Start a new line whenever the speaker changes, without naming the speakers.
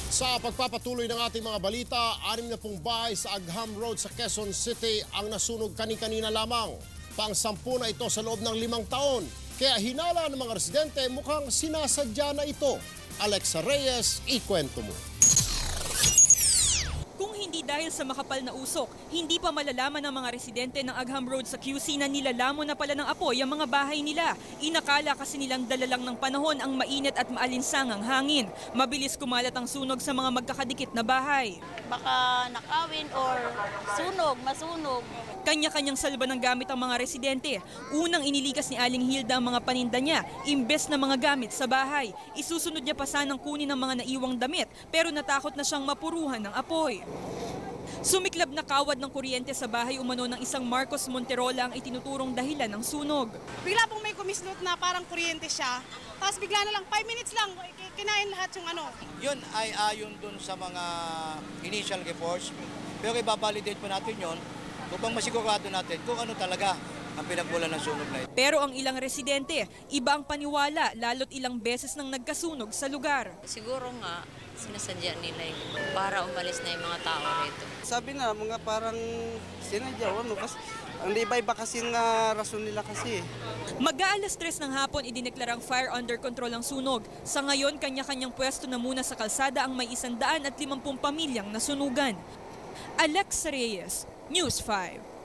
Sa pagpapatuloy ng ating mga balita, 60 bahay sa Agham Road sa Quezon City ang nasunog kani-kanina lamang. Pang-10 na ito sa loob ng 5 taon. Kaya hinala ng mga residente mukhang sinasadya na ito. Alexa Reyes, ikwento mo.
Kung hindi dahil sa makapal na usok, hindi pa malalaman ng mga residente ng Agham Road sa QC na nilalamon na pala ng apoy ang mga bahay nila. Inakala kasi nilang dala lang ng panahon ang mainit at maalinsangang hangin. Mabilis kumalat ang sunog sa mga magkakadikit na bahay.
Baka nakawin or masunog.
Kanya-kanyang salba ng gamit ang mga residente. Unang inilikas ni Aling Hilda ang mga paninda niya, imbes na mga gamit sa bahay. Isusunod niya pa sanang kunin ang mga naiwang damit, pero natakot na siyang mapuruhan ng apoy. Sumiklab na kawad ng kuryente sa bahay umano ng isang Marcos Monterola ang itinuturong dahilan ng sunog.
Bigla pong may kumislot na parang kuryente siya, tapos bigla na lang 5 minutes lang, kinain lahat yung ano.
Yun ay ayon dun sa mga initial reports, pero ibabalidate pa natin yun upang masigurado natin kung ano talaga ang pinagmulan ng sunog na ito.
Pero ang ilang residente, iba ang paniwala lalo't ilang beses nang nagkasunog sa lugar.
Siguro nga, sinasadya nila para umalis na yung mga tao rito.
Sabi na, mga parang sinadya, kasi ang iba-iba kasi na rason nila kasi.
Mag-aalas 3 ng hapon idineklarang fire under control ang sunog. Sa ngayon, kanya-kanyang pwesto na muna sa kalsada ang may 150 pamilyang nasunugan. Alexa Reyes, News 5.